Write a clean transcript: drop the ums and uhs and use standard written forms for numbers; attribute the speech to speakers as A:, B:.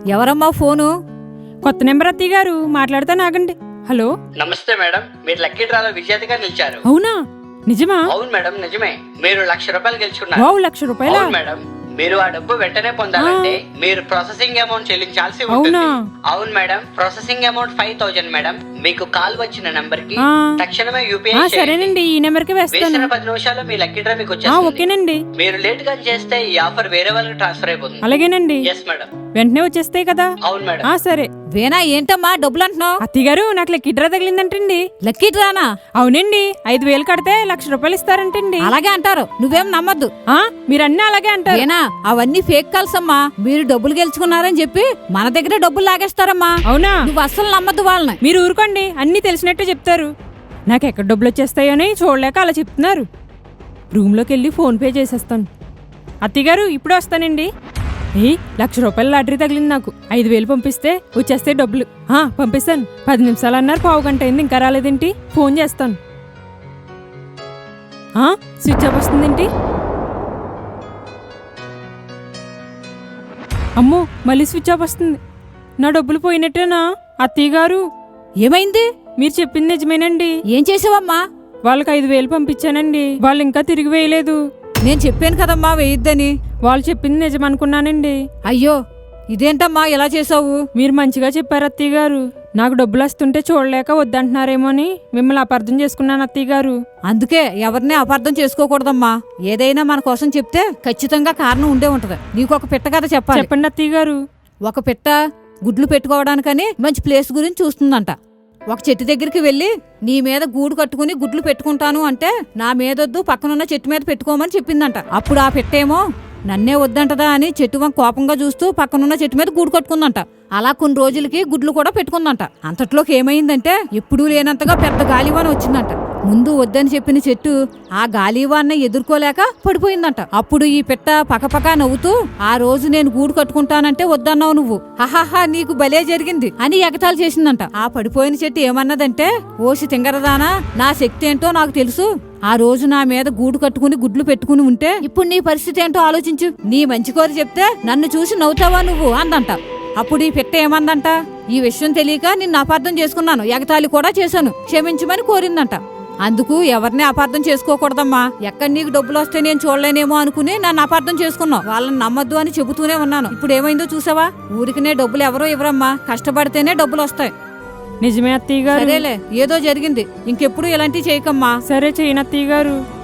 A: ఎవరమ్మా ఫోను?
B: కొత్త నెంబర్ అత్తయ్య గారు, మాట్లాడతాను ఆగండి. హలో,
C: నమస్తే మేడం, మీరు లక్కీ డ్రాలో విజేతగా నిలిచారు.
B: అవునా? నిజమా?
C: అవును మేడం, నిజమే. మీరు ₹1,00,000 గెలుచుకున్నారు.
B: వావ్, ₹1,00,000?
C: అవును మేడం, మీరు ఆ డబ్బు వెంటనే పొందాలంటే మీరు ప్రాసెసింగ్ అమౌంట్ చెల్లించాల్సి ఉంటుంది. అవును మేడం, ప్రాసెసింగ్ అమౌంట్ 5,000 మేడం. మీకు కాల్ వచ్చిన నంబర్ కి తక్షణమే యూపీఐ
B: సరేనండి, ఈ నెంబర్ కి వేస్తాను.
C: 10 నిమిషాల్లో మీ లక్కీ డ్రా మీకు వచ్చేస్తుంది.
B: ఓకేనండి.
C: మీరు లేట్ గా చేస్తే ఈ ఆఫర్ వేరే వాళ్ళకి ట్రాన్స్ఫర్ అయిపోతుంది.
B: అలాగేనండి.
C: Yes madam.
B: వెంటనే వచ్చేస్తాయి కదా?
C: అవును మేడం.
B: సరే.
A: వేనా, ఏంటమ్మా డబ్బులు అంటున్నావు?
B: అత్తయ్య గారు, నాకు లక్కీ డ్రా తగిలిందంటండి.
A: లక్కీ డ్రానా?
B: అవునండి, 5,000 కడితే ₹1,00,000 ఇస్తారంటండి.
A: అలాగే అంటారు, నువ్వేం నమ్మద్దు.
B: మీరన్నీ అలాగే అంటారు.
A: వేనా, అవన్నీ ఫేక్ కాల్స్ అమ్మా. మీరు డబ్బులు గెలుచుకున్నారని చెప్పి మన దగ్గర డబ్బులు లాగేస్తారమ్మా.
B: అవునా?
A: నువ్వు అస్సలు నమ్మద్దు వాళ్ళని.
B: మీరు ఊరుకోండి, అన్ని తెలిసినట్టు చెప్తారు. నాకు ఎక్కడ డబ్బులు వచ్చేస్తాయని చూడలేక అలా చెప్తున్నారు. రూమ్లోకి వెళ్ళి ఫోన్ పే చేసేస్తాను. అత్తయ్య గారు, ఇప్పుడే వస్తానండి. ₹1,00,000 లాటరీ తగిలింది నాకు. 5,000 పంపిస్తే వచ్చేస్తే డబ్బులు. పంపిస్తాను. 10 నిమిషాలు అన్నారు, పావు గంట అయింది, ఇంకా రాలేదేంటి? ఫోన్ చేస్తాను. స్విచ్ ఆఫ్ వస్తుందేంటి? అమ్మో, మళ్ళీ స్విచ్ ఆఫ్ వస్తుంది. నా డబ్బులు పోయినట్టేనా? అత్తయ్య గారు,
A: ఏమైంది?
B: మీరు చెప్పింది నిజమేనండి.
A: ఏం చేసావమ్మా?
B: వాళ్ళకి 5,000 పంపించానండి. వాళ్ళు ఇంకా తిరిగి వేయలేదు.
A: నేను చెప్పాను కదమ్మా వేయొద్దని.
B: వాళ్ళు చెప్పింది నిజమనుకున్నానండి.
A: అయ్యో, ఇదేంటమ్మా ఇలా చేసావు?
B: మీరు మంచిగా చెప్పారు అత్తయ్య గారు. నాకు డబ్బులు వస్తుంటే చూడలేక వద్దంటున్నారేమో అని మిమ్మల్ని అపార్థం చేసుకున్నాను అత్తయ్య గారు.
A: అందుకే ఎవరిని అపార్థం చేసుకోకూడదమ్మా. ఏదైనా మన కోసం చెప్తే ఖచ్చితంగా కారణం ఉండే ఉంటది. నీకు ఒక పిట్ట కథ చెప్పాలి.
B: చెప్పండి అత్తయ్య గారు.
A: ఒక పిట్ట గుడ్లు పెట్టుకోవడానికని మంచి ప్లేస్ గురించి చూస్తుందంట. ఒక చెట్టు దగ్గరికి వెళ్ళి, నీ మీద గూడు కట్టుకుని గుడ్లు పెట్టుకుంటాను అంటే నా మీదొద్దు, పక్కనున్న చెట్టు మీద పెట్టుకోమని చెప్పిందంట. అప్పుడు ఆ పెట్టేమో నన్నే వద్దంటదా అని చెట్టు వంక కోపంగా చూస్తూ పక్కనున్న చెట్టు మీద గూడు కట్టుకుందంట. అలా కొన్ని రోజులకి గుడ్లు కూడా పెట్టుకుందంట. అంతట్లోకి ఏమైందంటే ఎప్పుడూ లేనంతగా పెద్ద గాలివాన వచ్చిందంట. ముందు వద్దని చెప్పిన చెట్టు ఆ గాలివాన్ని ఎదుర్కోలేక పడిపోయిందంట. అప్పుడు ఈ పిట్ట పకపకా నవ్వుతూ, ఆ రోజు నేను గూడు కట్టుకుంటానంటే వద్దన్నావు నువ్వు, హహాహా నీకు భలే జరిగింది అని ఎగతాళి చేసిందంట. ఆ పడిపోయిన చెట్టు ఏమన్నదంటే, ఓసి తింగరదానా, నా శక్తి ఏంటో నాకు తెలుసు. ఆ రోజు నా మీద గూడు కట్టుకుని గుడ్లు పెట్టుకుని ఉంటే ఇప్పుడు నీ పరిస్థితి ఏంటో ఆలోచించు. నీ మంచి కోరి చెప్తే నన్ను చూసి నవ్వుతావా నువ్వు అందంట. అప్పుడు ఈ పిట్ట ఏమందంట, ఈ విషయం తెలియక నిన్ను అపార్థం చేసుకున్నాను, ఎగతాళి కూడా చేశాను, క్షమించమని కోరిందంట. అందుకు ఎవరిని అపార్థం చేసుకోకూడదమ్మా. ఎక్కడ నీకు డబ్బులు వస్తే నేను చూడలేనేమో అనుకుని నన్ను అపార్థం చేసుకున్నావు. వాళ్ళని నమ్మద్దు అని చెబుతూనే ఉన్నాను. ఇప్పుడు ఏమైందో చూసావా? ఊరికినే డబ్బులు ఎవరో ఇవ్వరమ్మా, కష్టపడితేనే డబ్బులు వస్తాయి.
B: నిజమే అత్తయ్య గారు.
A: సరేలే, ఏదో జరిగింది, ఇంకెప్పుడు ఇలాంటివి చేయకమ్మా.
B: సరే, చేయను అత్తయ్య గారు.